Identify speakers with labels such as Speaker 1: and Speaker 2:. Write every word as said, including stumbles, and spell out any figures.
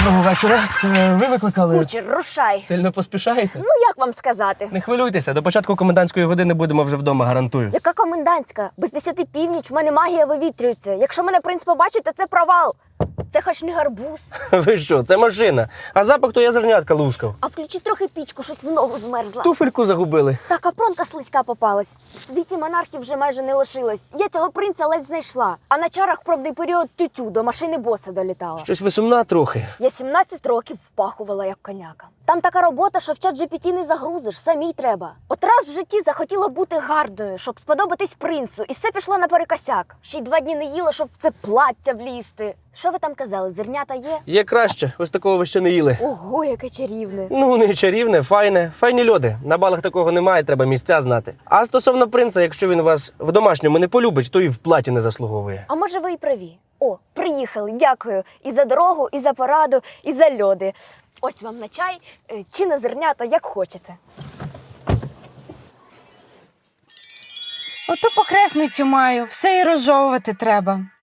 Speaker 1: Доброго вечора. Це ви викликали?
Speaker 2: Кучер, рушай.
Speaker 1: Сильно поспішаєте?
Speaker 2: Ну, як вам сказати?
Speaker 1: Не хвилюйтеся, до початку комендантської години будемо вже вдома, гарантую.
Speaker 2: Яка комендантська? Без десяти північ в мене магія вивітрюється. Якщо мене принц побачить, то це провал. Це хоч не гарбуз.
Speaker 1: Ви що, це машина. А запах то я зернятка лускав.
Speaker 2: А включи трохи пічку, щось в ногу змерзла.
Speaker 1: Туфельку загубили.
Speaker 2: Та капронка слизька попалась. В світі монархів вже майже не лишилось. Я цього принца ледь знайшла. А на чарах пробний період тютю до машини боса долітала.
Speaker 1: Щось ви сумна трохи.
Speaker 2: Я сімнадцять років впахувала як коняка. Там така робота, що в чат джі пі ті не загрузиш, самій треба. От раз в житті захотіла бути гарною, щоб сподобатись принцу, і все пішло наперекосяк. Ще й два дні не їла, щоб в це плаття влізти. Що ви там казали, зернята є?
Speaker 1: Є краще, ось такого ви ще не їли.
Speaker 2: Ого, яке чарівне.
Speaker 1: Ну, не чарівне, файне. Файні льоди. На балах такого немає, треба місця знати. А стосовно принца, якщо він вас в домашньому не полюбить, то і в платі не заслуговує.
Speaker 2: А може ви і праві? О, приїхали, дякую. І за дорогу, і за пораду, і за льоди. Ось вам на чай, е, чи на зернята, як хочете.
Speaker 3: Ото похресницю маю, все і розжовувати треба.